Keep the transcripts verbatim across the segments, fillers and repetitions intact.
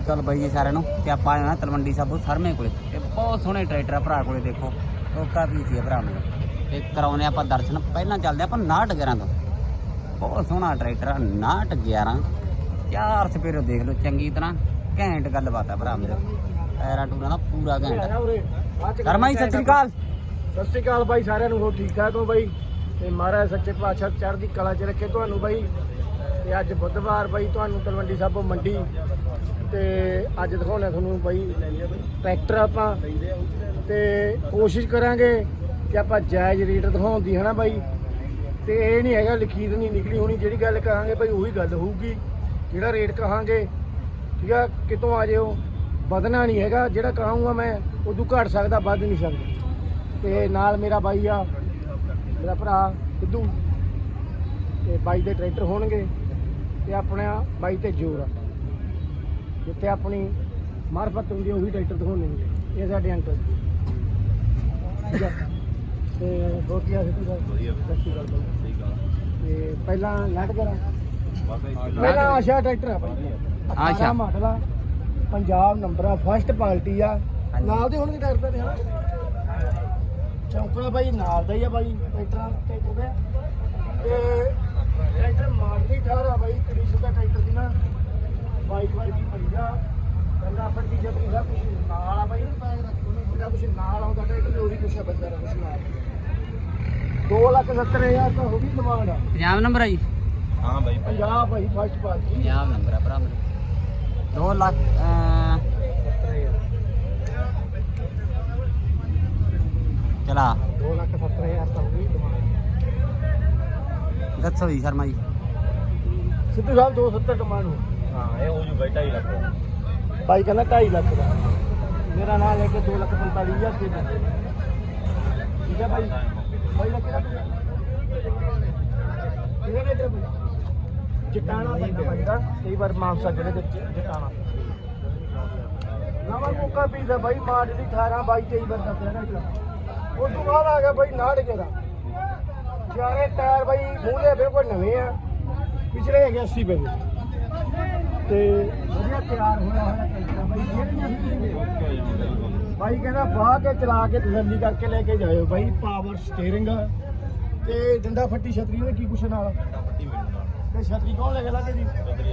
ਅਕਾਲ ਬਾਈ ਜੀ ਸਾਰਿਆਂ ਨੂੰ। ਤੇ ਆਪਾਂ ਆਏ ਹਾਂ ਤਲਵੰਡੀ ਸਾਬੋ ਸਰਮੇ ਕੋਲੇ ਤੇ ਬਹੁਤ ਸੋਹਣੇ ਟਰੈਕਟਰ ਆ ਭਰਾ ਕੋਲੇ। ਦੇਖੋ ਟੋਕਾ ਵੀ ਸੀ ਭਰਾ ਨੂੰ ਤੇ ਕਰਾਉਨੇ ਆਪਾਂ ਦਰਸ਼ਨ। ਪਹਿਲਾਂ ਚੱਲਦੇ ਆਪਾਂ ਨਾਟ ਗਿਆਰਾਂ ਤੋਂ। ਬਹੁਤ ਸੋਹਣਾ ਟਰੈਕਟਰ ਆ ਨਾਟ ਗਿਆਰਾਂ। ਚਾਰ ਸਪੇਰੋ ਦੇਖ ਲਓ ਚੰਗੀ ਤਰ੍ਹਾਂ ਘੈਂਟ ਗੱਲਬਾਤ ਆ ਭਰਾ ਮੇਰੇ। ਟਾਇਰਾਂ ਟੂਰਾਂ ਦਾ ਪੂਰਾ ਘੈਂਟ। ਕਰਮਾ ਜੀ ਸਤਿ ਸ਼੍ਰੀ ਅਕਾਲ। ਸਤਿ ਸ਼੍ਰੀ ਅਕਾਲ ਬਾਈ ਸਾਰਿਆਂ ਨੂੰ। ਹੋ ਠੀਕ ਠਾਕ ਹੋ ਬਾਈ? ਤੇ ਮਹਾਰਾਜ ਸੱਚੇ ਪਾਤਸ਼ਾਹ ਚੜ੍ਹਦੀ ਕਲਾ 'ਚ ਰੱਖੇ ਤੁਹਾਨੂੰ ਬਾਈ। ਤੇ ਅੱਜ ਬੁੱਧਵਾਰ ਬਾਈ ਤੁਹਾਨੂੰ ਤਲਵੰਡੀ ਸਾਬੋ ਮੰਡੀ ਤੇ ਅੱਜ ਦਿਖਾਉਣਾ ਤੁਹਾਨੂੰ ਬਾਈ ਟਰੈਕਟਰ ਆਪਾਂ। ਤੇ ਕੋਸ਼ਿਸ਼ ਕਰਾਂਗੇ ਕਿ ਆਪਾਂ ਜਾਇਜ਼ ਰੇਟ ਦਿਖਾਉਣ ਦੀ ਹੈ ਨਾ ਬਾਈ। ਤੇ ਇਹ ਨਹੀਂ ਹੈਗਾ ਲਕੀਰ ਨਹੀਂ ਨਿਕਲੀ ਹੋਣੀ। ਜਿਹੜੀ ਗੱਲ ਕਹਾਂਗੇ ਬਾਈ ਉਹੀ ਗੱਲ ਹੋਊਗੀ। ਜਿਹੜਾ ਰੇਟ ਕਹਾਂਗੇ ਠੀਕ ਆ ਕਿਤੋਂ ਆ ਜਿਓ ਵਧਣਾ ਨਹੀਂ ਹੈਗਾ। ਜਿਹੜਾ ਕਹਾਂਗਾ ਮੈਂ ਉਦੋਂ ਘੱਟ ਸਕਦਾ ਵੱਧ ਨਹੀਂ ਸਕਦਾ। ਤੇ ਨਾਲ ਮੇਰਾ ਬਾਈ ਆ ਮੇਰਾ ਭਰਾ ਸਿੱਧੂ ਤੇ ਬਾਈ ਦੇ ਟਰੈਕਟਰ ਹੋਣਗੇ ਤੇ ਆਪਣਾ ਬਾਈ ਤੇ ਜ਼ੋਰ ਆ। ਜਿੱਥੇ ਆਪਣੀ ਮਾਰਫਤ ਹੁੰਦੀ ਉਹੀ ਟਰੈਕਟਰ ਦਿਖਾਉਣੇ ਹੁੰਦੇ। ਇਹ ਸਾਡੇ ਅੰਕਲ ਠੀਕ ਆ। ਤੇ ਰੋਟੀਆਂ ਸਿੱਧੂ ਦਾ ਵਧੀਆ ਸਤਿ ਸ਼੍ਰੀ ਅਕਾਲ ਬਾਈ। ਤੇ ਪਹਿਲਾਂ ਲੱਟ ਕਰਾਂ ਪਹਿਲਾਂ ਆਸ਼ਾ ਟਰੈਕਟਰ ਆ ਬਾਈ। ਆਸ਼ਾ ਮਾਡਲ ਆ ਪੰਜਾਬ ਨੰਬਰ ਆ ਫਸਟ ਪਾਰਟੀ ਆ। ਨਾਲ ਦੇ ਹੋਣਗੇ ਟਰੈਕਟਰ ਦੇ ਹਨਾ। ਚੌਂਕੜਾ ਬਾਈ ਨਾਲ ਦਾ ਹੀ ਆ ਬਾਈ ਟਰੈਕਟਰਾਂ ਟਰੈਕਟਰ ਦੇ। ਤੇ ਟਰੈਕਟਰ ਮਾਡਲੀ ਅਠਾਰਾਂ ਆ ਬਾਈ। ਕੁੜੀ ਦਾ ਟਰੈਕਟਰ ਦੀ ਨਾ ਬਾਈਕ ਵਰਗੀ ਪਈ ਆ। ਪਹਿਲਾਂ ਫੱਟੀ ਜੱਤੀ ਦਾ ਕੁਛ ਨਾਲ ਆ ਬਾਈ। ਜਿਹੜਾ ਕੁਛ ਨਾਲ ਆਉਂਦਾ ਟਰੈਕਟਰ ਉਹੀ ਕੁਛ ਆ ਬੰਦਾ ਦਾ ਕੁਛ ਨਾਲ। ਦੋ ਲੱਖ ਸੱਤਰ ਹਜ਼ਾਰ ਤਾਂ ਹੋ ਗਈ ਡਿਮਾਂਡ ਆ। ਪੰਜਾਬ ਨੰਬਰ ਆ ਜੀ? ਹਾਂ ਬਾਈ ਪੰਜਾਬ ਬਾਈ ਫਸਟ ਪਾਰਟੀ ਪੰਜਾਬ ਨੰਬਰ ਆ ਭਰਾ ਮੇਰੇ। ਦੋ ਲੱਖ ਸੱਤਰ ਹਜ਼ਾਰ ਚਲਾ ਦੋ ਲੱਖ ਸੱਤਰ ਹਜ਼ਾਰ ਤਾਂ ਹੋ ਗਈ ਡਿਮਾਂਡ। ਦੱਸੋ ਜੀ ਸ਼ਰਮਾ ਜੀ। ਸਿੱਧੂ ਸਾਹਿਬ ਦੋ ਸੱਤਰ ਡਿਮਾਂਡ ਹੋ। ਹਾਂ ਇਹ ਹੋ ਜੂ ਬਾਈ ਢਾਈ ਲੱਖ ਦਾ। ਬਾਈ ਕਹਿੰਦਾ ਢਾਈ ਲੱਖ ਦਾ। ਮੇਰਾ ਨਾਂ ਲੈ ਕੇ ਦੋ ਲੱਖ ਪੰਤਾਲੀ ਹਜ਼ਾਰ ਰੁਪਏ ਦਿੰਦੇ। ਠੀਕ ਹੈ ਬਾਈ। ਬਾਈ ਦਾ ਕਿਹੜਾ ਕਿਹੜਾ ਰੇਟ ਬਾਈ? ਜਟਾਣਾ ਪੈਂਦਾ ਬਾਈ ਦਾ। ਕਈ ਵਾਰ ਮਾਨਸਾ ਜਿਹੜੇ ਦੇ ਜਟਾਣਾ ਨਵਾਂ ਮੌਕਾ ਪੀਦਾ ਬਾਈ। ਮਾਰਚ ਦੀ ਅਠਾਰਾਂ ਬਾਈ ਤੇਈ ਵਾਰ ਦਾ ਪਿਆ ਨਾ। ਉਸ ਤੋਂ ਬਾਅਦ ਆ ਗਿਆ ਬਾਈ ਨਾੜ ਕੇ ਦਾ। ਚਾਰੇ ਟਾਇਰ ਬਾਈ ਮੂਹਰੇ ਬਿਲਕੁਲ ਨਵੇਂ ਆ। ਪਿਛਲੇ ਹੈਗੇ ਅੱਸੀ ਪੈਸੇ ਤੇ ਵਧੀਆ ਤਿਆਰ ਹੋਇਆ ਹੋਇਆ ਟਰੈਕਟਰ ਬਾਈ। ਬਾਈ ਕਹਿੰਦਾ ਬਾਹ ਕੇ ਚਲਾ ਕੇ ਤਸੱਲੀ ਕਰਕੇ ਲੈ ਕੇ ਜਾਇਓ ਬਾਈ। ਪਾਵਰ ਸਟੀਅਰਿੰਗ ਤੇ ਡੰਡਾ ਫੱਟੀ ਛਤਰੀ ਉਹਦੇ ਕੀ ਕੁਛ ਨਾਲ ਤੇ ਛਤਰੀ ਕੌਣ ਲੈ ਕੇ ਲੱਗੇ ਜੀ?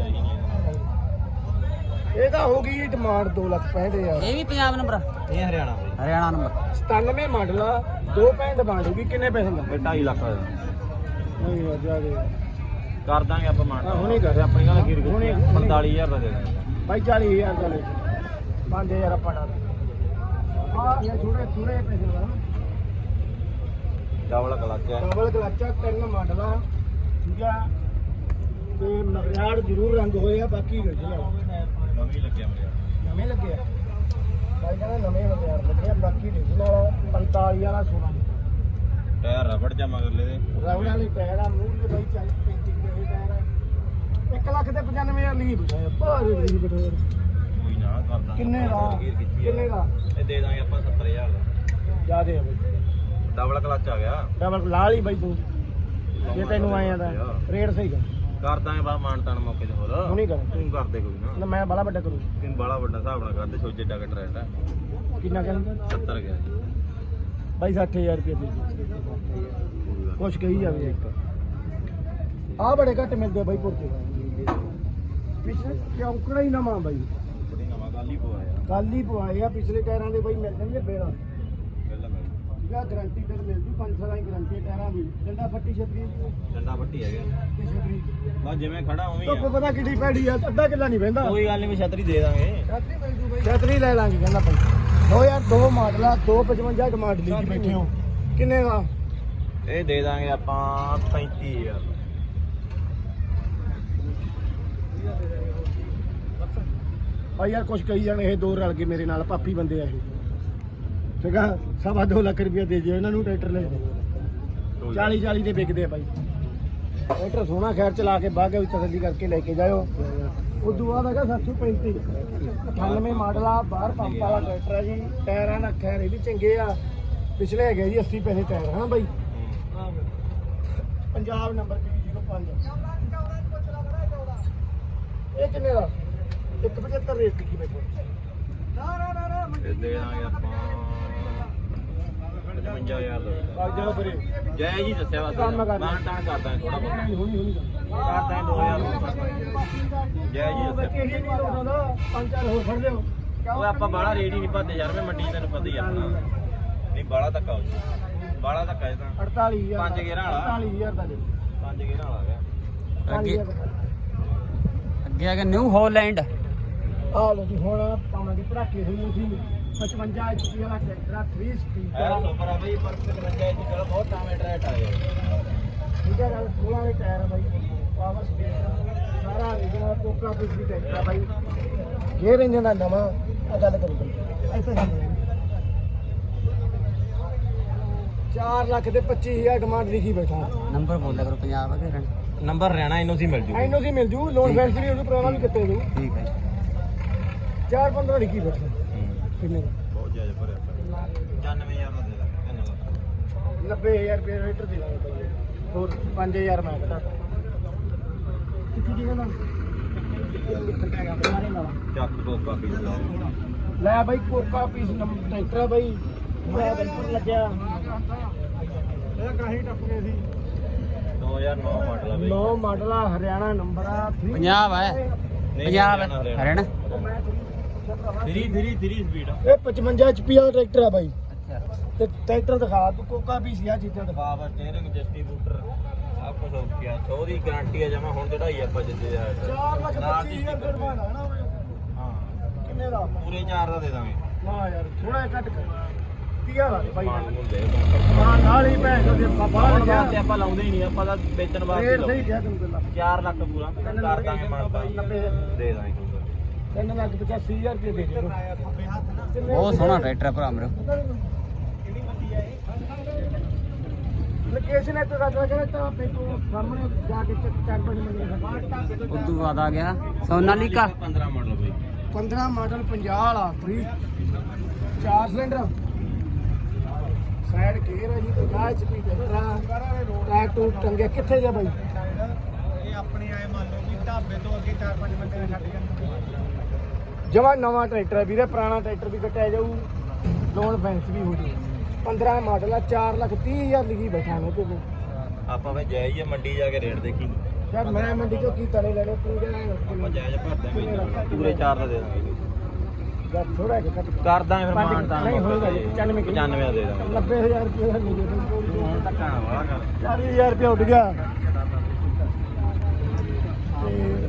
ਇਹ ਤਾਂ ਹੋ ਗਈ ਡਿਮਾਂਡ ਦੋ ਲੱਖ ਪੈਂਹਠ ਹਜ਼ਾਰ। ਇਹ ਵੀ ਪੰਜਾਬ ਨੰਬਰ? ਇਹ ਹਰਿਆਣਾ ਬਾਈ। ਹਰਿਆਣਾ ਨੰਬਰ। ਸਤਾਨਵੇਂ ਮਾਡਲ ਆ। ਦੋ ਪੈਂਹਠ ਡਿਮਾਂਡ ਹੋਊਗੀ। ਕਿੰਨੇ ਪੈਸੇ ਦਾ? ਢਾਈ ਲੱਖ ਦਾ ਨਹੀਂ ਯਾਰ ਜਿਆਦਾ ਕਰ ਦਾਂਗੇ ਆਪਾਂ ਮਾਨ। ਹੁਣੇ ਕਰ ਆਪਣੀ ਗੱਲ ਕੀ ਹੁਣੇ ਪੰਤਾਲੀ ਹਜ਼ਾਰ ਦਾ ਦੇ ਦਾਂਗੇ ਬਾਈ। ਚਾਲੀ ਹਜ਼ਾਰ ਦਾ ਲੈ ਪੰਜ ਹਜ਼ਾਰ ਆਪਾਂ ਨਾਲ ਆ ਇਹ ਥੋੜੇ ਥੋੜੇ ਪੈਸੇ ਦਾ ਡਬਲ ਕਲੱਚ ਹੈ। ਡਬਲ ਕਲੱਚ ਆ। ਤਿੰਨ ਮਾਡਲ ਆ ਠੀਕ ਆ। ਤੇ ਮਗਿਆੜ ਜ਼ਰੂਰ ਰੰਗ ਹੋਏ ਆ। ਬਾਕੀ original ਨਵੀਂ ਲੱਗਿਆ ਮੇਰੇ ਨਵੇਂ ਲੱਗੇ ਆ ਬਾਈ ਕਹਿੰਦਾ ਨਵੇਂ ਮਗਿਆੜ ਲੱਗੇ ਆ। ਬਾਕੀ original ਪੰਤਾਲੀ ਵਾਲਾ ਸੋਨਾ ਟਾਇਰ ਰਬੜ ਜਾ ਮਗਰਲੇ ਦੇ ਰਬੜ ਵਾਲੀ ਟਾਇਰ ਆ। ਮੂੰਹ ਦੇ ਬਾਈ ਚਾਲੀ ਪੈਂਤੀ ਦੇ ਟਾਇਰ ਆ। ਇੱਕ ਲੱਖ ਤੇ ਪਚਾਨਵੇਂ ਹਜ਼ਾਰ ਲਈ ਬਿਠਾਇਆ ਭਾਰੇ ਲਈ ਬਿਠਾਇਆ। ਕੋਈ ਨਾ ਕਰ ਦਾਂਗੇ। ਕਿੰਨੇ ਦਾ ਕਿੰਨੇ ਦਾ ਇਹ ਦੇ ਦਾਂਗੇ ਆਪਾਂ ਸੱਤਰ ਹਜ਼ਾਰ ਦਾ। ਜਿਆਦੇ ਆ ਬਾਈ। ਡਬਲ ਕਲੱਚ ਆ ਗਿਆ। ਡਬਲ ਲਾ ਲਈ ਬਾਈ ਤੂੰ ਜੇ ਤੈਨੂੰ ਆਇਆ ਤਾਂ ਰੇਟ ਸਹੀ ਕਰ ਕਰ ਦਾਂਗੇ ਬਾ ਮਾਨ ਤਾਨ ਮੌਕੇ ਤੇ। ਹੋਰ ਹੁਣੀ ਕਰ ਤੂੰ ਕਰ ਦੇ ਕੋਈ ਨਾ। ਨਾ ਮੈਂ ਬਾਲਾ ਵੱਡਾ ਕਰੂ। ਤੈਨੂੰ ਬਾਲਾ ਵੱਡਾ ਹਿਸਾਬ ਨਾਲ ਕਰਦੇ ਸੋਚੇ ਡਾ ਕਟ ਰੇਟ ਹੈ। ਕਿੰਨਾ ਕਹਿੰਦਾ? ਸੱਤਰ ਗਿਆ ਜੀ ਬਾਈ ਸੱਠ ਹਜ਼ਾਰ ਰੁਪਏ ਦੇ ਦੇ ਕੁਛ ਕਹੀ ਜਾਵੇ। ਇੱਕ ਆਹ ਬੜੇ ਘੱਟ ਮਿਲਦੇ ਆ ਬਾਈ ਪੁਰਕੇ। ਪਿਛਲੇ ਚੌਂਕੜਾ ਹੀ ਨਵਾਂ ਬਾਈ। ਬੜੀ ਨਵਾਂ ਗੱਲ ਹੀ ਪਵਾਇਆ ਕੱਲ ਹੀ ਪਵਾਏ ਆ। ਪਿਛਲੇ ਟਾਇਰਾਂ ਦੇ ਬਾਈ ਮਿਲ ਜਾਣਗੇ ਬੇੜਾ ਪਹਿਲਾਂ ਮੈਂ ਠੀਕ ਆ। ਗਰੰਟੀ ਤੇ ਮਿਲ ਜੂ ਪੰਜ ਸਾਲਾਂ ਦੀ ਗਰੰਟੀ ਟਾਇਰਾਂ ਦੀ। ਡੰਡਾ ਫੱਟੀ ਛਤਰੀ ਦੀ ਡੰਡਾ ਪੱਟੀ ਹੈਗਾ ਤੇ ਛਤਰੀ ਬਸ ਜਿਵੇਂ ਖੜਾ ਉਵੇਂ ਹੀ ਧੁੱਪ ਆ। ਪਤਾ ਕਿੱਡੀ ਪੈੜੀ ਆ। ਅੱਧਾ ਕਿੱਲਾ ਨਹੀਂ ਬਹਿੰਦਾ। ਕੋਈ ਗੱਲ ਨਹੀਂ ਵੀ ਛਤਰੀ ਦੇ ਦਾਂਗੇ। ਛਤਰੀ ਮਿਲ ਜੂ ਬਾਈ। ਛਤਰੀ ਲੈ ਲਾਂਗੇ ਕਹਿੰਦਾ ਬਾਈ। ਦੋ ਹਜ਼ਾਰ ਦੋ ਮਾਡਲ ਆ। ਦੋ ਪਚਵੰਜਾ ਡਿਮਾਂਡ ਲਈ ਜੀ ਬੈਠੇ ਹੋ। ਕਿੰਨੇ ਦਾ? ਇਹ ਦੇ ਦਾਂਗੇ ਆਪਾਂ ਪੈਂਤੀ ਹਜ਼ਾਰ। ਭਾਈ ਯਾਰ ਕੁਛ ਕਹੀ ਜਾਣ। ਇਹ ਦੋ ਰਲ ਕੇ ਮੇਰੇ ਨਾਲ ਪਾਪੀ ਬੰਦੇ ਆ ਇਹ ਠੀਕ ਆ। ਸਵਾ ਦੋ ਲੱਖ ਰੁਪਇਆ ਦੇ ਦਿਓ ਇਹਨਾਂ ਨੂੰ ਟਰੈਕਟਰ ਲੈ ਕੇ। ਚਾਲੀ ਚਾਲੀ ਦੇ ਵਿਕਦੇ ਆ ਭਾਈ ਟਰੈਕਟਰ। ਸੋਹਣਾ ਖੈਰ ਚਲਾ ਕੇ ਬਾਗੇ ਵਿੱਚ ਤਸੱਲੀ ਕਰਕੇ ਲੈ ਕੇ ਜਾਇਓ। ਉਸ ਤੋਂ ਬਾਅਦ ਹੈਗਾ ਸੱਤ ਸੌ ਪੈਂਤੀ ਅਠਾਨਵੇਂ ਮਾਡਲ ਆ। ਬਾਹਰ ਪੰਪ ਵਾਲਾ ਟਰੈਕਟਰ ਆ ਜੀ। ਟਾਇਰਾਂ ਦਾ ਖੈਰ ਇਹ ਵੀ ਚੰਗੇ ਆ। ਪਿਛਲੇ ਹੈਗੇ ਜੀ ਅੱਸੀ ਪੈਸੇ ਟਾਇਰ ਹਾਂ ਬਾਈ। ਪੰਜਾਬ ਨੰਬਰ ਜ਼ੀਰੋ ਪੰਜ। ਇਹ ਕਿੰਨੇ ਦਾ? ਇੱਕ ਪਝੱਤਰ ਰੇਟ ਲਿਖੀ ਬੈਠੋ ਇਹ ਦੇ ਦਾਂਗੇ ਆਪਾਂ ਪਚਵੰਜਾ ਹਜ਼ਾਰ ਦਾ ਬਾਗ ਜਾ ਫਿਰੇ ਜੈ ਜੀ ਦੱਸਿਆ ਵਾ ਕੰਮ ਕਰ ਮਾਨ ਤਾਨ ਕਰਦਾ ਥੋੜਾ ਬਹੁਤ ਹੁਣੀ ਹੁਣੀ ਕਰਦਾ ਦੋ ਹਜ਼ਾਰ ਜੈ ਜੀ ਦੱਸਿਆ ਬੱਚੇ ਹੀ ਨਹੀਂ ਲਾਉਂਦਾ ਪੰਜ ਚਾਰ ਹੋਰ ਫੜ ਲਿਓ ਉਹ ਆਪਾਂ ਬਾਹਲਾ ਰੇਟ ਹੀ ਨਹੀਂ ਭਰਦੇ ਯਾਰ ਮੈਂ ਮੰਡੀ ਤੈਨੂੰ ਪਤਾ ਹੀ ਆ ਆਪਣਾ ਨਹੀਂ ਬਾਹਲਾ ਧੱਕਾ ਹੋ ਜੂ ਬਾਹਲਾ ਧੱਕਾ ਇਹ ਤਾਂ ਅੜਤਾਲੀ ਹਜ਼ਾਰ ਪੰਜ ਗੇਰਾਂ ਵਾਲਾ। ਅੜਤਾਲੀ ਹਜ਼ਾਰ ਦਾ ਦੇ ਪੰਜ ਗੇਰਾਂ ਵਾਲਾ ਗਿਆ ਅੱਗੇ ਅੱਗੇ ਆ ਗਿਆ ਨਿਊ ਹਾਲੈਂਡ। ਆ ਲੋ ਜੀ ਹੁਣ ਪਾਵਾਂਗੇ ਪੜਾਕੇ ਹੋਈ ਸੀ ਪਚਵੰਜਾ ਇੰਚੀ ਵਾਲਾ ਟਰੈਕਟਰ ਤਿੰਨ ਸਪੀਡ ਇਹ ਸੁਪਰ ਆ ਬਈ ਪਰ ਪਚਵੰਜਾ ਇੰਚ ਚਲੋ ਬਹੁਤ ਟਾਵੇਂ ਟਰੈਟ ਆ ਯਾਰ ਠੀਕ ਹੈ ਗੱਲ ਸੋਲਾਂ ਦੇ ਟਾਇਰ ਆ ਬਾਈ ਪਾਵਰ ਸਪੀਡ ਸਾਰਾ ਜਿਹੜਾ ਕੋਕਾ ਪਿਸ ਦੀ ਟਰੈਕਟਰ ਆ ਬਾਈ ਗੇਅਰ ਇੰਜਨ ਦਾ ਨਵਾਂ ਆ ਗੱਲ ਕਰੂ ਬਾਈ ਇੱਥੇ ਸਾਹਮਣੇ ਚਾਰ ਲੱਖ ਦੇ ਪੱਚੀ ਹਜ਼ਾਰ ਡਿਮਾਂਡ ਲਿਖੀ ਬੈਠਾ ਨੰਬਰ ਬੋਲਿਆ ਕਰੋ ਪੰਜਾਬ ਅਗੇ ਰਣ। ਨੰਬਰ ਰਹਿਣਾ ਇਹਨੂੰ ਸੀ ਮਿਲ ਜੂ ਐਨੋ ਸੀ ਮਿਲ ਜੂ ਲੋਨ ਫੈਂਸ ਵੀ ਉਹਨੂੰ ਪੁਰਾਣਾ ਵੀ ਕਿੱਤੇ ਜੂ ਠੀਕ ਹੈ ਚਾਰ ਪੰਦਰਾਂ ਲਿਖੀ ਬੈਠਾ ਕਿੰਨੇ ਦਾ ਬਹੁਤ ਜ਼ਿਆਦਾ ਭਰਿਆ ਪਚਾਨਵੇਂ ਹਜ਼ਾਰ ਦਾ ਦੇ ਦਾਂਗੇ ਤਿੰਨ ਲੱਖ ਨੱਬੇ ਹਜ਼ਾਰ ਰੁਪਏ ਰੇਟਰ ਦੇ ਦਾਂਗੇ ਬਾਈ ਹੋਰ ਪੰਜ ਹਜ਼ਾਰ ਮੈਂ ਘਟਾ ਕਿੱਥੇ ਦੀ ਕਹਿੰਦਾ ਚੱਕ ਦੋ ਕਾਪੀ ਲੈ ਬਾਈ ਕੋਕਾ ਪੀਸ ਟਰੈਕਟਰ ਆ ਬਾਈ ਮੈਂ ਬਿਲਕੁਲ ਲੱਗਿਆ ਇਹ ਕਾਹੀ ਟੱਪ ਗਏ ਸੀ ਦੋ ਹਜ਼ਾਰ ਨੌ ਮਾਡਲ ਆ ਬਈ ਨੌ ਮਾਡਲ ਆ ਹਰਿਆਣਾ ਨੰਬਰ ਆ ਪੰਜਾਬ ਹੈ ਪੰਜਾਬ ਹੈ Haryana. Three three three speed ਆ ਇਹ ਪਚਵੰਜਾ ਐਚਪੀ ਵਾਲਾ ਟਰੈਕਟਰ ਆ ਬਾਈ ਅੱਛਾ ਤੇ ਟਰੈਕਟਰ ਦਿਖਾ ਤੂੰ ਕੋਕਾ ਪੀਸ ਆ ਚੀਜ਼ਾਂ ਦਿਖਾ ਪਾਵਰ ਸਟੀਅਰਿੰਗ ਡਿਸਟ੍ਰੀਬਿਊਟਰ ਸਭ ਕੁਝ ਹੋ ਗਿਆ ਸੌ ਦੀ ਗਾਰੰਟੀ ਆ ਜਮਾ ਹੁਣ ਚੜਾਈ ਆਪਾਂ ਜਿੱਦੇ ਆ ਚਾਰ ਲੱਖ ਪੱਚੀ ਹਜ਼ਾਰ ਰੁਪਏ ਬਣਾਣਾ ਨਾ ਹਾਂ ਕਿੰਨੇ ਦਾ ਪੂਰੇ ਚਾਰ ਦਾ ਦੇ ਦਾਂਗੇ ਨਾ ਯਾਰ ਥੋੜਾ ਜਿਹਾ ਘੱਟ ਕਰ ਤੀਆ ਲਾ ਦੇ ਬਾਈ ਮਾਨ ਨੂੰ ਦੇ ਦਾਂਗੇ ਮਾਂ ਨਾਲ ਹੀ ਭੈਣ ਦੇ ਬਾਬਾ ਬਾਹਰ ਲੱਗਿਆ ਵਾਸਤੇ ਆਪਾਂ ਲਾਉਂਦੇ ਹੀ ਨਹੀਂ ਆਪਾਂ ਤਾਂ ਵੇਚਣ ਵਾਸਤੇ ਰੇਟ ਸਹੀ ਲਾਉਂਦੇ ਕਿਹਾ ਤੈਨੂੰ ਪਹਿਲਾਂ ਚਾਰ ਲੱਖ ਪੂਰਾ ਕਰ ਦਾਂਗੇ ਮਾਨਤਾ ਨੱਬੇ ਦੇ ਦਾਂਗੇ ਤਿੰਨ ਲੱਖ ਪਚਾਸੀ ਹਜ਼ਾਰ ਰੁਪਏ ਦੇ ਦੇ ਬਹੁਤ ਸੋਹਣਾ ਟਰੈਕਟਰ ਆ ਭਰਾ ਮੇਰੇ। ਲੋਕੇਸ਼ਨ ਇੱਥੇ ਦੱਸ ਰਿਹਾ ਤਾਂ ਪੇਟੂ ਸਾਹਮਣੇ ਜਾ ਕੇ ਚੱਕ ਚੱਕ ਬਣੀ ਮੰਨੀ ਉਦੋਂ ਬਾਅਦ ਆ ਗਿਆ ਸੋਨਾਲੀਕਾ ਪੰਦਰਾਂ ਮਾਡਲ ਬਈ ਪੰਦਰਾਂ ਮਾਡਲ ਪੰਜਾਹ ਵਾਲਾ ਫ੍ਰੀ ਚਾਰ ਸਿਲੰਡਰ ਸਾਈਡ ਗੇਅਰ ਹੈ ਜੀ ਪੰਜਾਹ ਐਚਪੀ ਟਰੈਕਟਰ ਟਾਇਰ ਟੂ ਟੰਗੇ ਕਿੱਥੇ ਜਾ ਬਾਈ ਇਹ ਆਪਣੇ ਆਏ ਮੰਨ ਲਓ ਵੀ ਢਾਬੇ ਤੋਂ ਅੱਗੇ ਚਾਰ ਪੰਜ ਬੰਦੇ ਨੇ ਛੱਡ ਜਾਂਦੇ ਜਮਾ ਨਵਾਂ ਟਰੈਕਟਰ ਹੈ ਵੀਰੇ ਪੁਰਾਣਾ ਟਰੈਕਟਰ ਵੀ ਕੱਟਿਆ ਜਾਊ ਲੋਨ ਫੈਂਸ ਵੀ ਹੋ ਜਾਊ ਪੰਦਰਾਂ ਮਾਡਲ ਆ ਚਾਰ ਲੱਖ ਤੀਹ ਹਜ਼ਾਰ ਲਿਖੀ ਬੈਠਾ ਨੇ ਤੇ ਆਪਾਂ ਵੇ ਜਾਇਜ਼ ਹੀ ਮੰਡੀ ਜਾ ਕੇ ਰੇਟ ਦੇਖੀ ਯਾਰ ਮੈਂ ਮੰਡੀ ਚੋਂ ਕੀ ਤਲੇ ਲੈਣੇ ਤੂੰ ਆਪਾਂ ਜਾ ਜਾਇਜ਼ ਭਰ ਦਾਂਗੇ ਪੂਰੇ ਚਾਰ ਦਾ ਦੇ ਦਾਂਗੇ ਯਾਰ ਥੋੜਾ ਜਿਹਾ ਘੱਟ ਕਰ ਦਾਂਗੇ ਫਿਰ ਮਾਨ ਤਾਂ ਨਹੀਂ ਹੋਏਗਾ ਜੀ, ਪਚਾਨਵੇਂ ਪਚਾਨਵੇਂ ਦਾ ਦੇ ਦਾਂਗੇ ਨੱਬੇ ਹਜ਼ਾਰ ਰੁਪਏ ਦਾ ਮਿਲ ਜੇ ਧੱਕਾ ਨਾ ਵਾਲਾ ਕਰ ਚਾਲੀ ਹਜ਼ਾਰ ਰੁਪਏ ਉੱਡ ਗਿਆ ਤੇ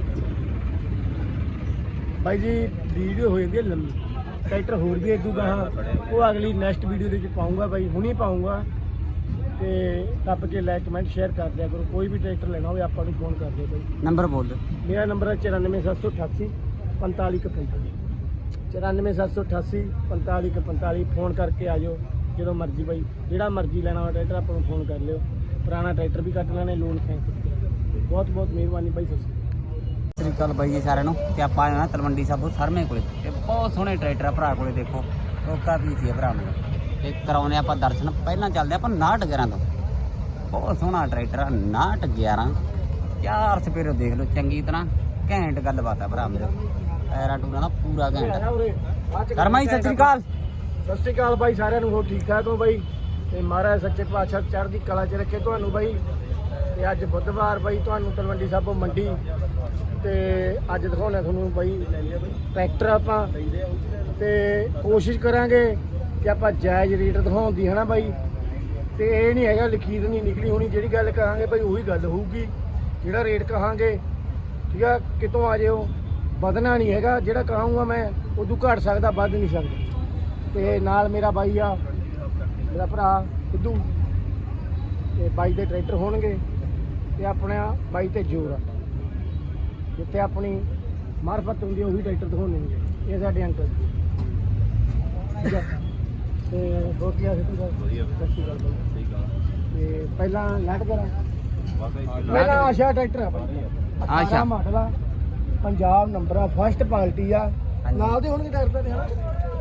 ਬਾਈ ਜੀ ਵੀਡੀਓ ਹੋ ਜਾਂਦੀ ਹੈ ਲੰਮੀ ਟਰੈਕਟਰ ਹੋਰ ਵੀ ਇਦੂ ਗਾਹਾਂ ਉਹ ਅਗਲੀ ਨੈਕਸਟ ਵੀਡੀਓ ਦੇ ਵਿੱਚ ਪਾਉਂਗਾ ਬਾਈ ਹੁਣੀ ਪਾਉਂਗਾ ਤੇ ਦੱਬ ਕੇ ਲਾਈਕ ਕਮੈਂਟ ਸ਼ੇਅਰ ਕਰ ਦਿਆ ਕਰੋ ਕੋਈ ਵੀ ਟਰੈਕਟਰ ਲੈਣਾ ਹੋਵੇ ਆਪਾਂ ਨੂੰ ਫੋਨ ਕਰ ਦਿਓ ਬਾਈ ਨੰਬਰ ਬੋਲ ਦਿਓ। ਮੇਰਾ ਨੰਬਰ ਹੈ ਚੁਰਾਨਵੇਂ ਸੱਤ ਸੌ ਅਠਾਸੀ ਪੰਤਾਲੀ ਇੱਕ ਪੰਤਾਲੀ ਚੁਰਾਨਵੇਂ ਸੱਤ ਸੌ ਅਠਾਸੀ ਪੰਤਾਲੀ ਇੱਕ ਪੰਤਾਲੀ ਫੋਨ ਕਰਕੇ ਆ ਜਾਓ ਜਦੋਂ ਮਰਜ਼ੀ ਬਾਈ ਜਿਹੜਾ ਮਰਜ਼ੀ ਲੈਣਾ ਹੋਵੇ ਟਰੈਕਟਰ ਆਪਾਂ ਨੂੰ ਫੋਨ ਕਰ ਲਿਓ ਪੁਰਾਣਾ ਟਰੈਕਟਰ ਵੀ ਕੱਟ ਲੈਣੇ ਲੋਨ ਫੈਂਸ ਬਹੁਤ ਬਹੁਤ ਮਿਹਰਬਾਨੀ ਬਾਈ ਸਤਿ ਸਤਿ ਸ੍ਰੀ ਅਕਾਲ ਬਾਈ ਜੀ ਸਾਰਿਆਂ ਨੂੰ ਤੇ ਆਪਾਂ ਆਏ ਹਾਂ ਤਲਵੰਡੀ ਸਾਬੋ ਸਰਮੇ ਕੋਲੇ ਤੇ ਬਹੁਤ ਸੋਹਣੇ ਟਰੈਕਟਰ ਆ ਭਰਾ ਕੋਲੇ ਦੇਖੋ ਕੋਕਾ ਵੀ ਸੀ ਭਰਾ ਮੇਰੇ ਤੇ ਕਰਾਉਨੇ ਆਪਾਂ ਦਰਸ਼ਨ ਪਹਿਲਾਂ ਚੱਲਦੇ ਆਪਾਂ ਨਾਟ ਗਿਆਰਾਂ ਤੋਂ ਬਹੁਤ ਸੋਹਣਾ ਟਰੈਕਟਰ ਆ ਨਾਟ ਗਿਆਰਾਂ ਚਾਰ ਸਪੇਰੋ ਦੇਖ ਲਓ ਚੰਗੀ ਤਰ੍ਹਾਂ ਘੈਂਟ ਗੱਲਬਾਤ ਆ ਭਰਾ ਮੇਰੇ ਟਾਇਰਾਂ ਟੂਰਾਂ ਦਾ ਪੂਰਾ ਘੈਂਟ ਕਰਮਾ ਜੀ ਸਤਿ ਸ੍ਰੀ ਅਕਾਲ ਸਤਿ ਸ਼੍ਰੀ ਅਕਾਲ ਬਾਈ ਸਾਰਿਆਂ ਨੂੰ ਹੋਰ ਠੀਕ ਠਾਕ ਹੋ ਬਾਈ ਤੇ ਮਹਾਰਾਜ ਸੱਚੇ ਪਾਤਸ਼ਾਹ ਚੜ੍ਹਦੀ ਕਲਾ 'ਚ ਰੱਖੇ ਤੁਹਾਨੂੰ ਬਾਈ ਤੇ ਅੱਜ ਬੁੱਧਵਾਰ ਬਾਈ ਤੁਹਾਨੂੰ ਤਲਵੰਡੀ ਸਾਬੋ ਮੰਡੀ ਤੇ ਅੱਜ ਦਿਖਾਉਣਾ ਤੁਹਾਨੂੰ ਬਾਈ ਟਰੈਕਟਰ ਆਪਾਂ ਤੇ ਕੋਸ਼ਿਸ਼ ਕਰਾਂਗੇ ਕਿ ਆਪਾਂ ਜਾਇਜ਼ ਰੇਟ ਦਿਖਾਉਣ ਦੀ ਹੈ ਨਾ ਬਾਈ ਤੇ ਇਹ ਨਹੀਂ ਹੈਗਾ ਲਖੀਰ ਨਹੀਂ ਨਿਕਲੀ ਹੋਣੀ ਜਿਹੜੀ ਗੱਲ ਕਹਾਂਗੇ ਬਾਈ ਉਹੀ ਗੱਲ ਹੋਊਗੀ ਜਿਹੜਾ ਰੇਟ ਕਹਾਂਗੇ ਠੀਕ ਆ ਕਿਤੋਂ ਆ ਜਿਓ ਵਧਣਾ ਨਹੀਂ ਹੈਗਾ ਜਿਹੜਾ ਕਹਾਂਗਾ ਮੈਂ ਉਦੋਂ ਘਟ ਸਕਦਾ ਵੱਧ ਨਹੀਂ ਸਕਦਾ ਤੇ ਨਾਲ ਮੇਰਾ ਬਾਈ ਆ ਮੇਰਾ ਭਰਾ ਸਿੱਧੂ ਤੇ ਬਾਈ ਦੇ ਟਰੈਕਟਰ ਹੋਣਗੇ ਤੇ ਆਪਣਾ ਬਾਈ ਤੇ ਜੋਰ ਆ ਜਿੱਥੇ ਆਪਣੀ ਮਾਰਫਤ ਹੁੰਦੀ ਉਹੀ ਟਰੈਕਟਰ ਦਿਖਾਉਣੇ ਨੇ ਇਹ ਸਾਡੇ ਅੰਕਲ ਠੀਕ ਆ ਤੇ ਹੋਰ ਕੀ ਆ ਸਿੱਧੂ ਦਾ ਵਧੀਆ ਸਤਿ ਸ਼੍ਰੀ ਅਕਾਲ ਬਾਈ ਸਹੀ ਗੱਲ ਤੇ ਪਹਿਲਾਂ ਲੈਟ ਕਰਾਂ ਵਾਕਈ ਪਹਿਲਾਂ ਆਸ਼ਾ ਟਰੈਕਟਰ ਆ ਬਾਈ ਆਸ਼ਾ। ਆਸ਼ਾ ਮਾਡਲ ਆ ਪੰਜਾਬ ਨੰਬਰ ਆ ਫਸਟ ਪਾਰਟੀ ਆ ਨਾਲ ਦੇ ਹੋਣਗੇ ਟਰੈਕਟਰ ਦੇ ਹਨਾ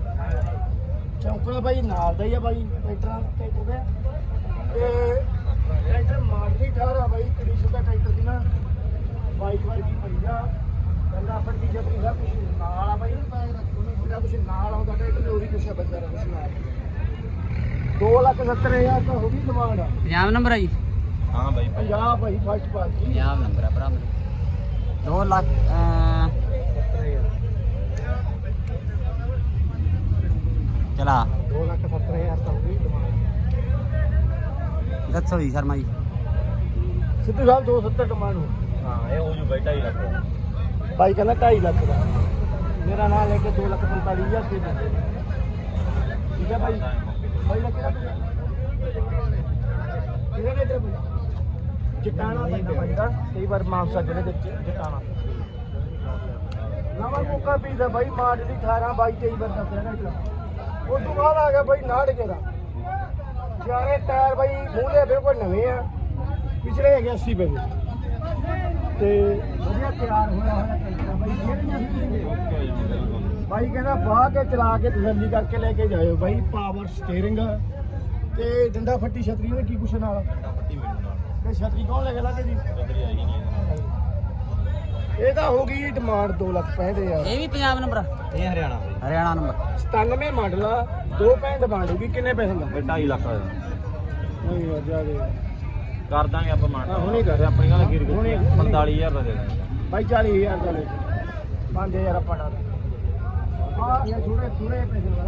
ਚੌਂਕੜਾ ਬਾਈ ਨਾਲ ਦਾ ਹੀ ਆ ਬਾਈ ਟਰੈਕਟਰਾਂ ਟਰੈਕਟਰ ਦੇ ਤੇ ਟਰੈਕਟਰ ਮਾਰਦੀ ਠਾਰ ਆ ਬਾਈ ਕੰਡੀਸ਼ਨ ਦਾ ਟਰੈਕਟਰ ਦੀ ਨਾ ਬਾਈਕ ਵਰਗੀ ਪਈ ਆ ਬੰਦਾ ਫੱਟੀ ਛਤਰੀ ਸਭ ਕੁਝ ਨਾਲ ਆ ਬਾਈ ਜਿਹੜਾ ਕੁਝ ਨਾਲ ਆਉਂਦਾ ਟਰੈਕਟਰ ਉਹੀ ਕੁਛ ਆ ਬੰਦਾ ਦਾ ਕੁਛ ਨਾਲ ਦੋ ਲੱਖ ਸੱਤਰ ਹਜ਼ਾਰ ਤਾਂ ਹੋ ਗਈ ਡਿਮਾਂਡ ਆ ਪੰਜਾਬ ਨੰਬਰ ਹੈ ਜੀ ਹਾਂ ਬਾਈ ਪੰਜਾਬ ਭਾਈ ਫਸਟ ਪਾਰਟੀ ਪੰਜਾਬ ਨੰਬਰ ਆ ਭਰਾ ਮੇਰੇ ਦੋ ਲੱਖ ਚਲਾ ਦੋ ਲੱਖ ਸੱਤਰ ਹਜ਼ਾਰ ਤਾਂ ਹੋ ਗਈ ਡਿਮਾਂਡ ਦੱਸੋ ਜੀ ਸ਼ਰਮਾ ਜੀ ਸਿੱਧੂ ਸਾਹਿਬ ਦੋ ਸੱਤਰ ਡਿਮਾਂਡ ਹੋ ਹਾਂ ਇਹ ਹੋ ਜੂ ਬਾਈ ਢਾਈ ਲੱਖ ਬਾਈ ਕਹਿੰਦਾ ਢਾਈ ਲੱਖ ਦਾ ਮੇਰਾ ਨਾਂ ਲੈ ਕੇ ਦੋ ਲੱਖ ਪੰਤਾਲੀ ਹਜ਼ਾਰ ਰੁਪਏ ਦਿੰਦੇ ਨੇ ਠੀਕ ਹੈ ਬਾਈ ਬਾਈ ਦਾ ਕਿਹੜਾ ਕਿਹੜਾ ਰੇਟ ਹੈ ਜਟਾਣਾ ਪੈਂਦਾ ਬਾਈ ਦਾ ਕਈ ਵਾਰ ਮਾਨਸਾ ਜਿਹੜੇ ਵਿੱਚ ਜਟਾਣਾ ਨਵਾਂ ਮੌਕਾ ਪੀਦਾ ਬਾਈ ਮਾਡਲ ਦੀ ਅਠਾਰਾਂ ਬਾਈ ਤੇਈ ਵਾਰ ਦੱਸਿਆ ਨਾ ਉਸ ਤੋਂ ਬਾਅਦ ਆ ਗਿਆ ਬਾਈ ਨਾੜ ਕੇ ਦਾ ਚਾਰੇ ਟਾਇਰ ਬਾਈ ਮੂਹਰੇ ਬਿਲਕੁਲ ਨਵੇਂ ਆ ਪਿਛਲੇ ਹੈਗੇ ਅੱਸੀ ਪੈਸੇ ਤੇ ਵਧੀਆ ਤਿਆਰ ਹੋਇਆ ਹੋਇਆ ਟਰੈਕਟਰ ਬਾਈ ਜਿਹੜੀਆਂ ਬਾਈ ਕਹਿੰਦਾ ਬਾਹ ਕੇ ਚਲਾ ਕੇ ਤਸੱਲੀ ਕਰਕੇ ਲੈ ਕੇ ਜਾਇਓ ਬਾਈ ਪਾਵਰ ਸਟੀਅਰਿੰਗ ਤੇ ਡੰਡਾ ਫੱਟੀ ਛਤਰੀ ਉਹਦੇ ਕੀ ਕੁਛ ਨਾਲ ਪੱਟੀ ਮੈਨੂੰ ਨਾਲ ਤੇ ਛਤਰੀ ਕੌਣ ਲੈ ਕੇ ਲੱਗੇ ਜੀ ਕਦਰੀ ਆਈ ਨਹੀਂ ਇਹ ਤਾਂ ਹੋ ਗਈ ਡਿਮਾਂਡ ਦੋ ਲੱਖ ਪੈਂਹਠ ਹਜ਼ਾਰ ਇਹ ਵੀ ਪੰਜਾਬ ਨੰਬਰ ਇਹ ਹਰਿਆਣਾ ਬਾਈ ਹਰਿਆਣਾ ਨੰਬਰ ਸਤਾਨਵੇਂ ਮਾਡਲ ਆ ਦੋ ਪੈਂਹਠ ਡਿਮਾਂਡ ਹੋਗੀ ਕਿੰਨੇ ਪੈਸੇ ਦਾ ਇਹ ਢਾਈ ਲੱਖ ਦਾ ਨਹੀਂ ਯਾਰ ਜਿਆਦੇ ਕਰ ਦਾਂਗੇ ਆਪਾਂ ਮਾਨ ਹਾਂ, ਹੁਣੇ ਕਰ। ਆਪਣੀ ਗੱਲ ਕੀ ਹੁਣੇ- ਪੰਤਾਲੀ ਹਜ਼ਾਰ ਦਾ ਦੇ ਦਾਂਗੇ ਬਾਈ ਚਾਲੀ ਹਜ਼ਾਰ ਦਾ ਲੈ ਪੰਜ ਹਜ਼ਾਰ ਆਪਾਂ ਨਾਲ ਆ ਇਹ ਥੋੜੇ ਥੋੜੇ ਪੈਸੇ ਦਾ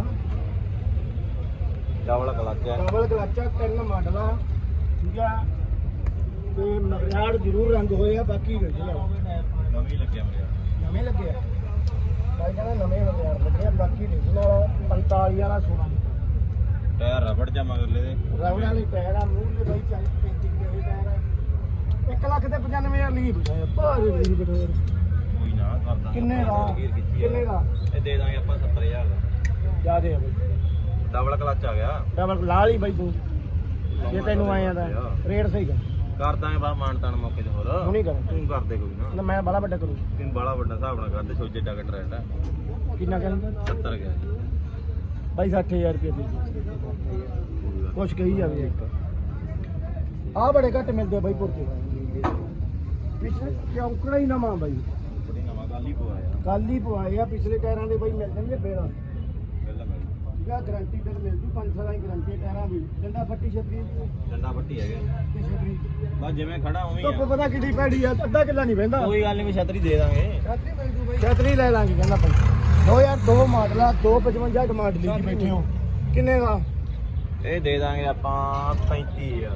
ਡਬਲ ਕਲਚ ਹੈ ਡਬਲ ਕਲਚ ਆ ਤਿੰਨ ਮਾਡਲ ਆ ਠੀਕ ਆ ਤੇ ਮਗਰਾੜ ਜ਼ਰੂਰ ਰੰਗ ਹੋਏ ਆ ਬਾਕੀ original ਨਵੀਂ ਲੱਗਿਆ ਮੇਰੇ ਨਵੇਂ ਲੱਗੇ ਆ ਬਾਈ ਕਹਿੰਦਾ ਨਵੇਂ ਮਗਰਾੜ ਲੱਗੇ ਆ ਬਾਕੀ original ਪੰਤਾਲੀ ਵਾਲਾ ਸੋਨਾ ਟਾਇਰ ਰਬੜ ਜਾ ਮਗਰਲੇ ਦੇ ਰਾਵਣ ਵਾਲੀ ਟਾਇਰ ਆ ਮੂੰਹ ਦੇ ਬਾਈ ਚਾਲੀ ਪੈਂਤੀ ਦੇ ਟਾਇਰ ਆ ਇੱਕ ਲੱਖ ਤੇ ਪਚਾਨਵੇਂ ਹਜ਼ਾਰ ਲਈ ਬੁਝਾਇਆ ਭਾਰੇ ਲਈ ਬਟੋਰ ਕੋਈ ਨਾ ਕਰ ਦਾਂਗੇ ਕਿੰਨੇ ਦਾ ਗੀਰ ਕੀਤੀ ਆ। ਕਿੰਨੇ ਦਾ ਇਹ ਦੇ ਦਾਂਗੇ ਆਪਾਂ ਸੱਤਰ ਹਜ਼ਾਰ ਦਾ ਜਿਆਦੇ ਆ ਬਾਈ ਡਬਲ ਕਲਚ ਆ ਗਿਆ ਡਬਲ ਲਾ ਲਈ ਬਾਈ ਤੂੰ ਜੇ ਤੈਨੂੰ ਆਇਆ ਤਾਂ ਰੇਟ ਸਹੀ ਕਰ ਕਰ ਦਾਂਗੇ ਬਾ ਮਾਨ ਤਾਨ ਮੌਕੇ ਤੇ ਹੋਰ ਹੁਣੀ ਕਰ ਤੂੰ ਕਰ ਦੇ ਕੋਈ ਨਾ ਨਾ ਮੈਂ ਬੜਾ ਵੱਡਾ ਕਰੂੰ ਤੈਨੂੰ ਬਾਲਾ ਵੱਡਾ ਹਿਸਾਬ ਨਾਲ ਕਰਦੇ ਸੋਚੇ ਡਾਕਟਰ ਟ੍ਰੈਂਡ ਹੈ ਕਿੰਨਾ ਕਹਿੰਦਾ ਸੱਤਰ ਗਿਆ ਬਾਈ ਸੱਠ ਹਜ਼ਾਰ ਰੁਪਏ ਦੇ ਦੇ ਕੁਛ ਕਹੀ ਜਾਵੇ ਇੱਕ ਆ ਬੜੇ ਘੱਟ ਮਿਲਦੇ ਆ ਬਾਈ ਪੁਰਤੇ ਪਿਛਲੇ ਚੌਂਕੜਾ ਹੀ ਨਵਾਂ ਬਾਈ ਬੜੀ ਨਵਾਂ ਗੱਲ ਹੀ ਪਵਾਇਆ ਕੱਲ ਹੀ ਪਵਾਏ ਆ ਪਿਛਲੇ ਟਾਇਰਾਂ ਦੇ ਬਾਈ ਮਿਲ ਜਾਣਗੇ ਬੇੜਾ ਪਹਿਲਾਂ ਮੈਂ ਠੀਕ ਆ ਗਾਰੰਟੀ ਤੇ ਮਿਲ ਜੂ ਪੰਜ ਸਾਲਾਂ ਦੀ ਗਾਰੰਟੀ ਟਾਇਰਾਂ ਦੀ ਡੰਡਾ ਫੱਟੀ ਛਤਰੀ ਡੰਡਾ ਪੱਟੀ ਹੈਗਾ ਤੇ ਛਤਰੀ ਬਸ ਜਿਵੇਂ ਖੜਾ ਉਵੇਂ ਹੀ ਧੁੱਪ ਆ ਪਤਾ ਕਿੱਡੀ ਪੈੜੀ ਆ ਅੱਧਾ ਕਿੱਲਾ ਨਹੀਂ ਬਹਿੰਦਾ ਕੋਈ ਗੱਲ ਨਹੀਂ ਮੈਂ ਛਤਰੀ ਦੇ ਦਾਂਗੇ ਛਤਰੀ ਮਿਲ ਜੂ ਬਾਈ ਛਤਰੀ ਲੈ ਲਾਂਗੇ ਕਹਿੰਦਾ ਬਾਈ ਦੋ ਹਜ਼ਾਰ ਦੋ ਮਾਡਲ ਆ ਦੋ ਪਚਵੰਜਾ ਡਿਮਾਂਡ ਲਈ ਜੀ ਬੈਠੇ ਹੋ ਕਿੰਨੇ ਦਾ ਇਹ ਦੇ ਦਾਂਗੇ ਆਪਾਂ ਪੈਂਤੀ ਹਜ਼ਾਰ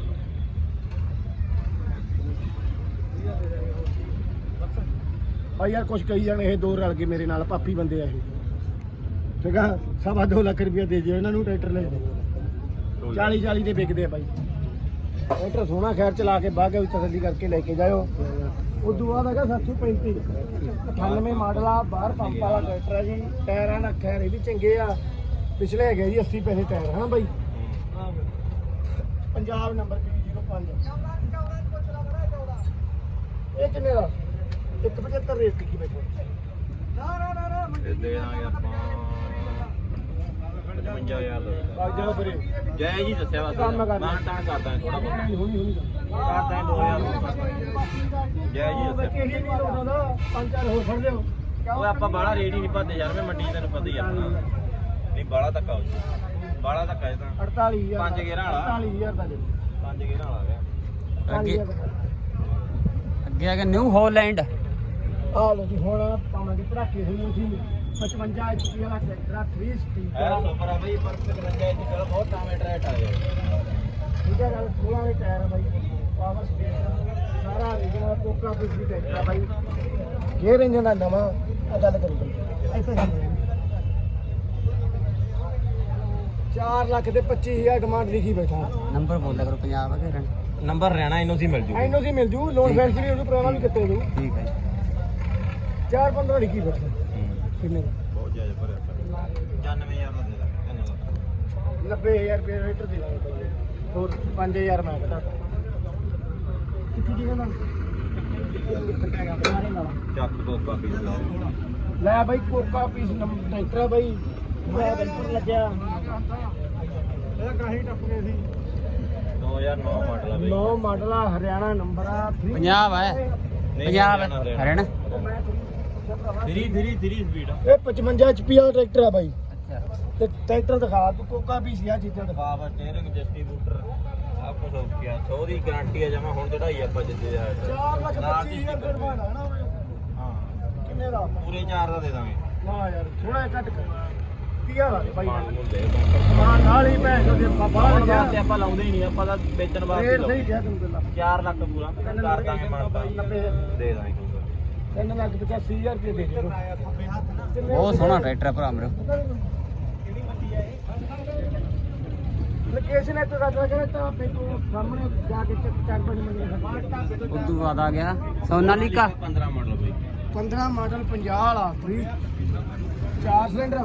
ਆ ਯਾਰ ਕੁਛ ਕਹੀ ਜਾਣ ਇਹ ਦੋ ਰਲ ਕੇ ਮੇਰੇ ਨਾਲ ਪਾਪੀ ਬੰਦੇ ਆ ਇਹ ਠੀਕ ਆ ਸਵਾ ਦੋ ਲੱਖ ਰੁਪਇਆ ਦੇ ਦਿਓ ਇਹਨਾਂ ਨੂੰ ਟਰੈਕਟਰ ਲੈ ਚਾਲੀ ਚਾਲੀ ਦੇ ਵਿਕਦੇ ਆ ਬਾਈ ਟਰੈਕਟਰ ਸੋਹਣਾ ਖੈਰ ਚਲਾ ਕੇ ਬਾਗੇ ਵਿੱਚ ਤਸੱਲੀ ਕਰਕੇ ਲੈ ਕੇ ਜਾਇਓ ਉਦੋਂ ਬਾਅਦ ਹੈਗਾ ਸੱਤ ਸੌ ਪੈਂਤੀ ਅਠਾਨਵੇਂ ਮਾਡਲ ਆ ਬਾਹਰ ਪੰਪ ਵਾਲਾ ਟਰੈਕਟਰ ਆ ਜੀ ਟਾਇਰਾਂ ਦਾ ਖੈਰ ਇਹ ਵੀ ਚੰਗੇ ਆ ਪਿਛਲੇ ਹੈਗੇ ਜੀ ਅੱਸੀ ਪੈਸੇ ਟਾਇਰ ਹਾਂ ਬਾਈ ਪੰਜਾਬ ਨੰਬਰ ਪੀ ਜ਼ੀਰੋ ਪੰਜ ਇਹ ਕਿੰਨੇ ਦਾ ਇੱਕ ਪਝੱਤਰ ਰੇਟ ਲਿਖੀ ਬੈਠੋ ਇਹ ਦੇ ਦਾਂਗੇ ਆਪਾਂ ਪਚਵੰਜਾ ਹਜ਼ਾਰ ਦਾ ਬਾਗ ਜਾਓ ਫਿਰੇ ਜੈ ਜੀ ਦੱਸਿਆ ਵਾ ਕੰਮ ਕਰਨਾ। ਮਾਨ ਤਾਨ ਕਰ ਦਾਂਗੇ ਥੋੜਾ ਬਹੁਤ ਹੁਣੀ ਹੁਣੀ ਕਰ ਦਾਂਗੇ ਦੋ ਹਜ਼ਾਰ ਜੈ ਜੀ ਬੱਚੇ ਦੱਸਿਆ ਹੀ ਨਹੀਂ ਲਾਉਂਦਾ ਪੰਜ ਚਾਰ ਹੋਰ ਫੜ ਲਿਓ ਉਹ ਆਪਾਂ ਬਾਹਲਾ ਰੇਟ ਹੀ ਨਹੀਂ ਪਾਦੇ ਯਾਰ ਮੈਂ ਮੰਡੀ ਤੈਨੂੰ ਪਤਾ ਹੀ ਆ ਆਪਣਾ ਨਹੀਂ ਬਾਹਲਾ ਧੱਕਾ ਹੋ ਜੂ ਬਾਹਲਾ ਧੱਕਾ ਇਹ ਤਾਂ ਅੜਤਾਲੀ ਹਜ਼ਾਰ ਪੰਜ ਗੇਰਾਂ ਵਾਲਾ। ਅੜਤਾਲੀ ਹਜ਼ਾਰ ਦਾ ਦੇ ਪੰਜ ਗੇਰਾਂ ਵਾਲਾ ਗਿਆ ਅੱਗੇ ਅੱਗੇ ਆ ਗਿਆ ਨਿਊ ਹਾਲੈਂਡ ਆ ਲੋ ਜੀ ਹੁਣ ਪਾਵਾਂਗੇ ਪੜਾਕੇ ਹੋਈ ਸੀ ਪਚਵੰਜਾ ਐਚ ਪੀ ਵਾਲਾ ਟਰੈਕਟਰ ਥ੍ਰੀ ਸਪੀਡ ਐ ਸੁਪਰ ਆ ਬਈ ਪਰ ਪਚਵੰਜਾ ਇੰਚ ਕਰ ਬਹੁਤ ਟਾਵੇਂ ਟਰੈਟ ਆ ਗਿਆ ਠੀਕ ਹੈ ਗੱਲ ਸੋਲਾਂ ਦੇ ਟਾਇਰ ਆ ਬਾਈ ਪਾਵਰ ਸਪੀਡ ਸਾਰਾ ਰੀਜਨਲ ਕੋਕਾ ਪਿਸ ਵੀ ਟਰੈਕਟਰ ਆ ਬਾਈ ਗੇਅਰ ਇੰਜਨ ਦਾ ਨਵਾਂ ਆ ਗੱਲ ਕਰੀ ਬਾਈ ਇੱਥੇ ਚਾਰ ਲੱਖ ਦੇ ਪੱਚੀ ਹਜ਼ਾਰ ਡਿਮਾਂਡ ਲਿਖੀ ਬੈਠਾ ਨੰਬਰ ਬੋਲਿਆ ਕਰੋ ਪੰਜਾਬ ਦੇ ਰਨ ਨੰਬਰ ਰਹਿਣਾ ਇਹਨੂੰ ਸੀ ਮਿਲ ਜੂ ਐਨੋ ਸੀ ਮਿਲ ਜੂ ਲੋਨ ਫੈਂਸ ਵੀ ਉਹਨੂੰ ਪੁਰਾਣਾ ਵੀ ਕਿੱਤੇ ਦੂ ਠੀਕ ਹੈ ਚਾਰ ਪੰਦਰਾਂ ਲਿਖੀ ਬੈਠਾ ਕਿੰਨੇ ਦਾ ਬਹੁਤ ਜ਼ਿਆਦਾ ਭਰਿਆ ਪਚਾਨਵੇਂ ਹਜ਼ਾਰ ਦਾ ਦੇ ਦਾਂਗੇ ਨੱਬੇ ਹਜ਼ਾਰ ਰੁਪਏ ਰੇਟਰ ਦੇ ਦਾਂਗੇ ਬਾਈ ਹੋਰ ਪੰਜ ਹਜ਼ਾਰ ਮੈਂ ਘਟਾ ਕਿੱਥੇ ਕੀ ਕਹਿੰਦਾ ਚੱਕ ਦੋ ਕਾਪੀ ਲੈ ਬਾਈ ਕੋਕਾ ਪੀਸ ਟਰੈਕਟਰ ਆ ਬਾਈ ਮੈਂ ਬਿਲਕੁਲ ਲੱਗਿਆ ਇਹਦਾ ਕਾਹੀ ਟੱਪ ਗਏ ਸੀ ਦੋ ਹਜ਼ਾਰ ਨੌ ਮਾਡਲ ਆ ਬਈ ਨੌ ਮਾਡਲ ਆ ਹਰਿਆਣਾ ਨੰਬਰ ਆ three- ਪੰਜਾਬ ਹੈ ਨਹੀਂ, ਪੰਜਾਬ ਹਰਿਆਣਾ, ਹਰਿਆਣਾ ਉਹ ਮੈਂ ਧੀਰੀ ਧੀਰੀ ਧੀਰੀ ਸਪੀਡ ਇਹ ਪਚਵੰਜਾ ਐਚ ਪੀ ਵਾਲਾ ਟਰੈਕਟਰ ਆ ਬਾਈ ਅੱਛਾ ਤੇ ਟਰੈਕਟਰ ਦਿਖਾ ਤੂੰ ਕੋਕਾ ਵੀ ਸੀ ਆ ਚੀਜ਼ਾਂ ਦਿਖਾ ਬਾਬਾ ਸਟੀਅਰਿੰਗ ਡਿਸਟ੍ਰੀਬਿਊਟਰ ਸਭ ਕੁਝ ਓਕੇ ਆ ਸੌ ਦੀ ਗਾਰੰਟੀ ਆ ਜਮਾ ਹੁਣ ਚੜਾਈ ਆਪਾਂ ਜਿੱਦੇ ਆ ਚਾਰ ਲੱਖ ਪੱਚੀ ਹਜ਼ਾਰ ਰੁਪਏ ਬਣਾਣਾ ਨਾ ਓਏ। ਹਾਂ ਕਿੰਨੇ ਦਾ ਪੂਰੇ ਚਾਰ ਦਾ ਦੇ ਦਾਂਗੇ ਨਾ ਯਾਰ ਥੋੜਾ ਘੱਟ ਕਰ ਤੀਹ ਹਜ਼ਾਰ ਆ ਬਾਈ ਪਾਣ ਨੂੰ ਦੇ ਮਾਂ ਨਾਲ ਹੀ ਭੈਣ ਚੋਦ ਦੇ ਬਾਹਰ ਲੱਗਿਆ ਤੇ ਆਪਾਂ ਲਾਉਂਦੇ ਹੀ ਨਹੀਂ ਆਪਾਂ ਤਾਂ ਵੇਚਣ ਵਾਸਤੇ ਰੇਟ ਸਹੀ ਕਿਹਾ ਤੈਨੂੰ ਪਹਿਲਾਂ ਚਾਰ ਲੱਖ ਪੂਰਾ ਕਰ ਦਾਂਗੇ ਮਾਨਤਾ ਨੱਬੇ ਦੇ ਦਾਂਗੇ ਕੋਈ ਤਿੰਨ ਲੱਖ ਪਚਾਸੀ ਹਜ਼ਾਰ ਰੁਪਏ ਦੇ ਦੇ ਬਹੁਤ ਸੋਹਣਾ ਟਰੈਕਟਰ ਆ ਭਰਾ ਮੇਰੇ ਲੋਕੇਸ਼ਨ ਇੱਥੇ ਦੱਸ ਰਿਹਾ ਤਾਂ ਫੇਕੋ ਸਾਹਮਣੇ ਜਾ ਕੇ ਚੱਕ ਚਾਰ ਪੰਜ ਮੰਗੇ ਉਦੋਂ ਬਾਅਦ ਆ ਗਿਆ ਸੋਨਾਲੀਕਾ ਪੰਦਰਾਂ ਮਾਡਲ ਬਈ ਪੰਦਰਾਂ ਮਾਡਲ ਪੰਜਾਹ ਵਾਲਾ ਫ੍ਰੀ ਚਾਰ ਸਿਲੰਡਰ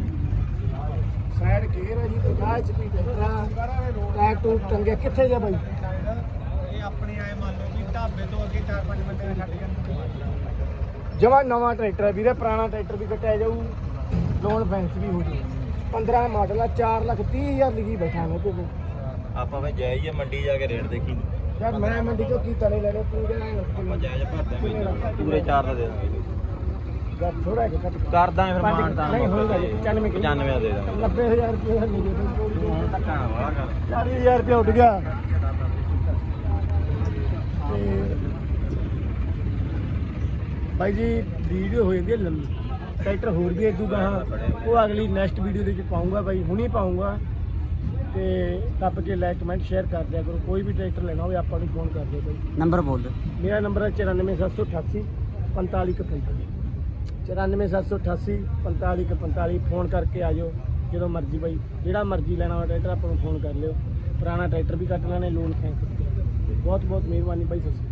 ਸਾਈਡ ਗੇਅਰ ਹੈ ਜੀ ਪੰਜਾਹ ਐਚ ਪੀ ਟਰੈਕਟਰ ਟੈਗ ਟੂ ਟੰਗੇ ਕਿੱਥੇ ਜਾ ਬਾਈ ਇਹ ਆਪਣੇ ਆਏ ਮੰਨ ਲਓ ਵੀ ਢਾਬੇ ਤੋਂ ਅੱਗੇ ਚਾਰ ਪੰਜ ਬੰਦੇ ਛੱਡ ਜਾਂਦੇ ਜਮਾ ਨਵਾਂ ਟਰੈਕਟਰ ਹੈ ਵੀਰੇ ਪੁਰਾਣਾ ਟਰੈਕਟਰ ਵੀ ਕੱਟਿਆ ਜਾਊ ਲੋਨ ਫੈਂਸ ਵੀ ਹੋ ਜੂ ਪੰਦਰਾਂ ਮਾਡਲ ਆ ਚਾਰ ਲੱਖ ਤੀਹ ਹਜ਼ਾਰ ਲਿਖੀ ਬੈਠਾ ਮੈਂ ਤੇ ਆਪਾਂ ਵੇ ਜਾਈਏ ਮੰਡੀ ਜਾ ਕੇ ਰੇਟ ਦੇਖੀ ਯਾਰ ਮੈਂ ਮੰਡੀ ਚੋਂ ਕੀ ਤਲੇ ਲੈਣੇ ਤੂੰ ਆਪਾਂ ਜਿਹੜਾ ਜਾਇਜ਼ ਭਰਦੇ ਆਂ ਪੂਰੇ ਚਾਰ ਦਾ ਦੇ ਦਾਂਗੇ ਯਾਰ ਥੋੜਾ ਜਿਹਾ ਘੱਟ ਕਰ ਦਾਂਗੇ ਫਿਰ ਪੰਜ- ਮਾਨਤਾ ਨਹੀਂ ਹੋਏਗਾ ਜੀ, ਪਚਾਨਵੇਂ ਕਿਲੋ। ਪਚਾਨਵੇਂ ਦਾ ਦੇ ਦਾਂਗੇ ਨੱਬੇ ਹਜ਼ਾਰ ਰੁਪਏ ਹੱਲੀ ਦੇ ਹੁਣ ਧੱਕਾ ਨਾ ਵਾਲਾ ਕਰ ਚਾਲੀ ਹਜ਼ਾਰ ਰੁਪਏ ਉੱਡ ਗਿਆ ਤੇ ਬਾਈ ਜੀ ਵੀਡੀਓ ਹੋ ਜਾਂਦੀ ਹੈ ਲੰਮੀ ਟਰੈਕਟਰ ਹੋਰ ਵੀ ਇਦੂ ਗਾਹਾਂ ਉਹ ਅਗਲੀ ਨੈਕਸਟ ਵੀਡੀਓ ਦੇ ਵਿੱਚ ਪਾਉਂਗਾ ਬਾਈ ਹੁਣੀ ਪਾਉਂਗਾ ਤੇ ਟੱਪ ਕੇ ਲਾਈਕ ਕਮੈਂਟ ਸ਼ੇਅਰ ਕਰ ਦਿਆ ਕਰੋ ਕੋਈ ਵੀ ਟਰੈਕਟਰ ਲੈਣਾ ਹੋਵੇ ਆਪਾਂ ਨੂੰ ਫੋਨ ਕਰ ਦਿਓ ਬਾਈ ਨੰਬਰ ਬੋਲ ਦੇ ਮੇਰਾ ਨੰਬਰ ਹੈ ਚੁਰਾਨਵੇਂ ਸੱਤ ਸੌ ਅਠਾਸੀ ਪੰਤਾਲੀ ਇੱਕ ਪੰਤਾਲੀ ਚੁਰਾਨਵੇਂ ਸੱਤ ਸੌ ਅਠਾਸੀ ਪੰਤਾਲੀ ਇੱਕ ਪੰਤਾਲੀ ਫੋਨ ਕਰਕੇ ਆ ਜਾਓ ਜਦੋਂ ਮਰਜ਼ੀ ਬਾਈ ਜਿਹੜਾ ਮਰਜ਼ੀ ਲੈਣਾ ਹੋਵੇ ਟਰੈਕਟਰ ਆਪਾਂ ਨੂੰ ਫੋਨ ਕਰ ਲਿਓ ਪੁਰਾਣਾ ਟਰੈਕਟਰ ਵੀ ਕੱਟ ਲੈਣੇ ਲੋਨ ਫੈਂਸ ਬਹੁਤ ਬਹੁਤ ਮਿਹਰਬਾਨੀ ਬਾਈ ਸਤਿ ਸ਼੍ਰੀ ਅਕਾਲ।